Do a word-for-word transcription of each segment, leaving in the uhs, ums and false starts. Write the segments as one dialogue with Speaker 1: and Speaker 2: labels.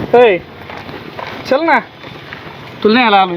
Speaker 1: होय चल ना तुला नाही आला आलोय.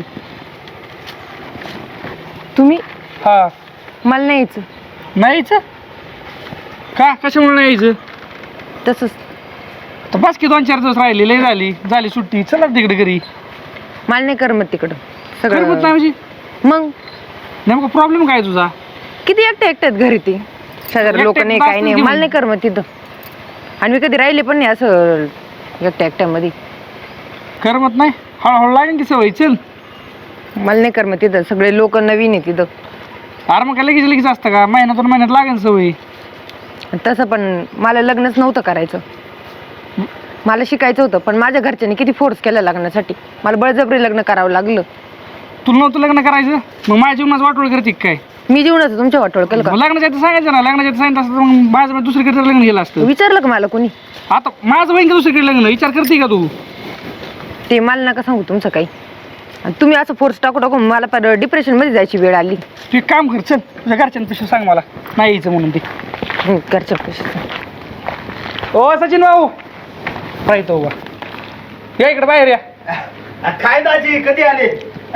Speaker 2: तुम्ही
Speaker 1: हा
Speaker 2: मला नाही यायचं.
Speaker 1: नाही यायचं का? कशामुळे नाही यायचं?
Speaker 2: तसंच
Speaker 1: तर बस की दोन चार दिवस राहिले लय झाली झाली सुट्टी चला तिकडे घरी.
Speaker 2: मला नाही करमत तिकडं
Speaker 1: करमत
Speaker 2: सगळं.
Speaker 1: नाही म्हणजे
Speaker 2: मग
Speaker 1: नेमका प्रॉब्लेम काय तुझा?
Speaker 2: किती एकटे एकट्यात घरी ते शेजारी लोक
Speaker 1: एकटे
Speaker 2: नाही
Speaker 1: एकटे
Speaker 2: काही नाही.
Speaker 1: असतील
Speaker 2: मला नाही करमत तिथं. आणि मी कधी राहिले पण नाही असं एकट्या एकट्यामध्ये.
Speaker 1: करमत नाही हळूहळू लागेल की सवय. चल
Speaker 2: मला नाही करमत तिथं. सगळे लोक नवीन आहे तिथं.
Speaker 1: अरे मग काय लगेच लगेच असतं का? महिन्यातून महिन्यात लागेल सवय.
Speaker 2: तसं पण मला लग्नच नव्हतं करायचं. मला शिकायचं होतं पण माझ्या घरच्यांनी किती फोर्स केला लग्नासाठी. मला बळजबरी लग्न करावं लागलं.
Speaker 1: तुला नव्हतं लग्न करायचं मग माझ्या जीवनाचं वाटोळ करते काय?
Speaker 2: मी जीवनाचं तुमच्या वाटोळ केलं का?
Speaker 1: मग लग्नाच्या आधी सांगायचं ना. लग्नाच्या आधी सांगितलं असतं तर मग माझं मी दुसरीकडे लग्न गेलं असतं.
Speaker 2: विचारलं का मला कोणी?
Speaker 1: आता माझं बहीण दुसरीकडे लग्न विचार करते का तू?
Speaker 2: ते मला नका सांगू तुमचं काही. आणि तुम्ही असं फोर्स टाकू टाकू मला पर डिप्रेशन मध्ये जायची वेळ आली.
Speaker 1: तू एक काम कर चल तुझ्या घरच्यांपेक्षा सांग मला नाही यायचं म्हणून ते.
Speaker 2: हं, घरच्या पैसे.
Speaker 1: ओ सचिन भाऊ पाहिजे उभा या इकडे बाहेर या.
Speaker 3: काय दाजी कधी आले?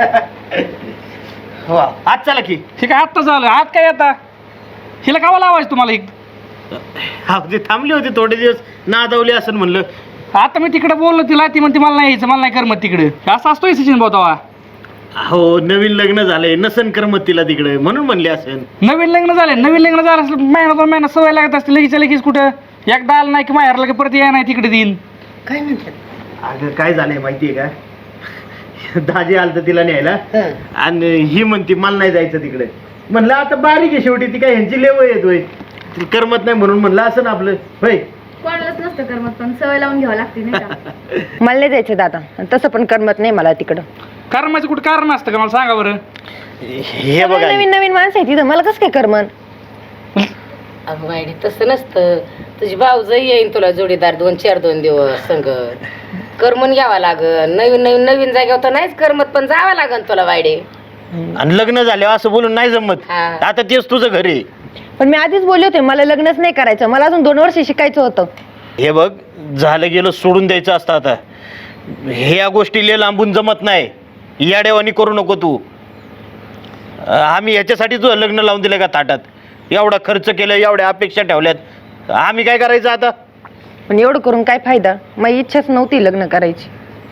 Speaker 3: हो आज चला की.
Speaker 1: ठीक आहे आत्ता झालं आत काय आता हिला कावा लावायचं तुम्हाला एक?
Speaker 3: हा ते थांबली होती थोडे दिवस नादवली असं म्हणलं.
Speaker 1: आता मी तिकडे बोललो तिला ती म्हणते मला नाही यायचं मला नाही करमत तिकडे. असं असतोय सचिन भाऊ तवा.
Speaker 3: हो नवीन लग्न झालंय नसन करमत तिला तिकडे म्हणून म्हणले असेल.
Speaker 1: नवीन लग्न झाले नवीन लग्न झालं असलं महिना दोन महिना सवय लागत असते लगेच लगेच कुठं एकदा आलं नाही की माहेरला की परत या नाही तिकडे देईन.
Speaker 2: काय म्हणतात?
Speaker 3: अगं काय झालंय माहितीये का? दाजी आलत तिला न्यायला आणि ही म्हणती मला नाही जायचं तिकडे. म्हणलं आता बारीक आहे शेवटी ती काय ह्यांची लेव येतोय करमत नाही म्हणून म्हणलं असं ना आपलं होय.
Speaker 4: कोणालाच नसतं करमत पण सवय लावून घ्यावं लागते नाही का?
Speaker 2: मला नाही जायचं दादा. तसं पण करमत नाही मला तिकडं.
Speaker 1: करमाचं कुठं कारण असतं का मला सांगा बरं?
Speaker 3: हे
Speaker 2: सगळे
Speaker 3: बघा
Speaker 2: नवीन नवीन माणसं आहे तिथं. मला कसं काय करमन?
Speaker 5: अगं वाईडी तसं नसतं. तुझी भाऊजही येईन तुला जोडीदार दोन चार दोन दिवस संग करमून घ्यावा लागल. नवीन नवीन नवीन जागेवर तर नाहीच करमत पण जावं लागल तुला वाईडे.
Speaker 3: आणि लग्न झाल्यावर असं बोलून नाही जमत.
Speaker 5: हा.
Speaker 3: आता तेच तुझं घर आहे.
Speaker 2: पण मी आधीच बोलले होते मला लग्नच नाही करायचं. मला अजून दोन वर्ष शिकायचं होतं.
Speaker 3: हे बघ झालं गेलं सोडून द्यायचं असतं. आता ह्या गोष्टी ले लांबून जमत नाही. याडेवानी करू नको तू. आम्ही ह्याच्यासाठी तुझं लग्न लावून दिलं का ताटात? एवढा खर्च केला एवढ्या अपेक्षा ठेवल्यात आम्ही काय करायचं आता?
Speaker 2: पण एवढं करून काय फायदा? माझी इच्छाच नव्हती लग्न करायची.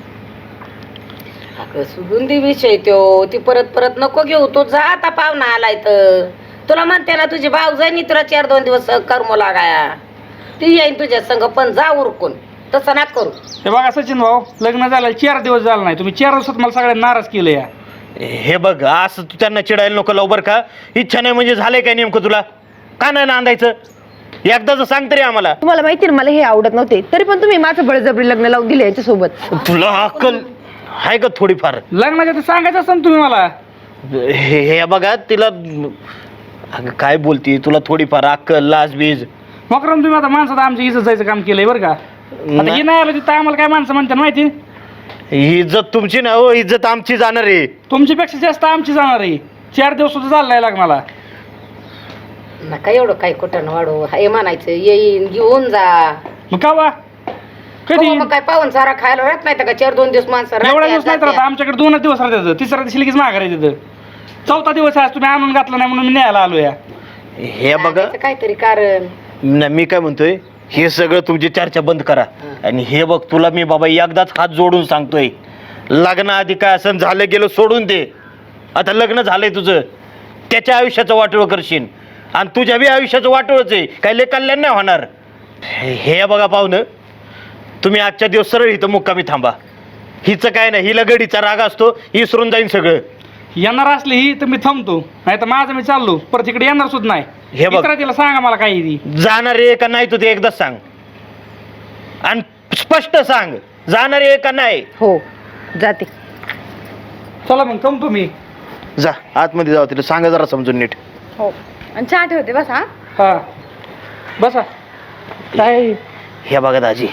Speaker 5: अगं सोडून दे विषय त्यो. ती परत परत नको घेऊ. तो जा आता पाहुणा आलाय तर तुला म्हणते ना तुझी भाऊजाईनी तुला चार दोन दिवस करमू लागाया. ती येईन तुझ्या संग पण जा उरकून. तसं ना करू.
Speaker 1: हे बघा सचिन भाऊ लग्न झालं चार दिवस झालं नाही तुम्ही चार दिवसात मला सगळ्यांना नाराज केलं या.
Speaker 3: हे बघ असं तू त्यांना चिडायला नको लवकर का? इच्छा नाही म्हणजे झालंय काय नेमकं तुला? का नाही नांदायचं? एकदाच सांग तरी आम्हाला.
Speaker 2: तुम्हाला माहिती ना मला हे आवडत नव्हते तरी पण तुम्ही माझं बळजबरी लग्न लावून दिलं याच्यासोबत.
Speaker 3: तुला अक्कल आहे का थोडीफार?
Speaker 1: लग्नाच्या आधी सांगायचं असतं ना तुम्ही मला.
Speaker 3: हे हे बघा तिला अगं काय बोलती तुला थोडीफार अक्कल लाज बीज.
Speaker 1: मकरम तुम्ही आता माणसात आमच्या इज्जत जायचं काम केलंय बरं का? आता हे नाही आलं तिथं आम्हाला काय माणसं म्हणतात माहिती?
Speaker 3: ही इज्जत तुमची ना हो इज्जत आमची जाणार आहे.
Speaker 1: तुमच्यापेक्षा जास्त आमची जाणार आहे. चार दिवस सुद्धा चाललाय लग्नाला.
Speaker 5: नका एवढं काही कुठं वाढू. हे म्हणायचं येईन घेऊन जा.
Speaker 1: मग का वा कधी
Speaker 5: हो, मग काय पाहून सारा खायला राहत नाही का? चार दोन दिवस माणसं
Speaker 1: एवढा
Speaker 5: राहत्या,
Speaker 1: दिवस नाही तर
Speaker 5: जात्या.
Speaker 1: आता आमच्याकडे दोनच दिवस राहतात. तिसऱ्या दिवशी लगेच माघार आहे तिथं. चौथा दिवस आहे तुम्ही आणून घातला नाही म्हणून मी न्यायला आलो या.
Speaker 3: हे बघा
Speaker 5: सांगायचं काहीतरी कारण.
Speaker 3: न, मी काय म्हणतोय हे सगळं तुमची चर्चा बंद करा. आणि हे बघ तुला मी बाबा एकदाच हात जोडून सांगतोय लग्नाआधी काय असं झालं गेलं सोडून दे. आता लग्न झालंय तुझं त्याच्या आयुष्याचं वाटोळ करशील आणि तुझ्या बी आयुष्याचं वाटोळच आहे. काही लय कल्याण नाही होणार. हे बघा पाहुणं तुम्ही आजच्या दिवस सरळ इथं मुक्कामी थांबा. हिचं काय नाही हिला गडीचा राग असतो विसरून जाईन सगळं.
Speaker 1: येणार असली ही तर मी थांबतो नाही तर माझं मी चाललो परत इकडे येणार सुद्धा नाही.
Speaker 3: हे बघ.
Speaker 1: इतरा तिला सांगा मला काही ती
Speaker 3: जाणार आहे का नाही तू ते एकदाच सांग आणि स्पष्ट सांग जाणार आहे का नाही.
Speaker 2: हो जाते.
Speaker 1: चला मग थांबतो मी.
Speaker 3: जा आतमध्ये जाऊ तिला सांगा जरा समजून नीट.
Speaker 4: हो आणि चहा ठेवते बस. हा
Speaker 1: हा बसा. काय
Speaker 3: हे बघा दाजी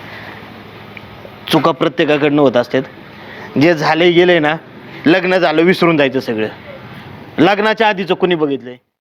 Speaker 3: चुका प्रत्येकाकडनं होत असतात. जे झाले गेले ना लग्न झालं विसरून जायचं सगळं. लग्नाच्या आधीचं कुणी बघितलंय?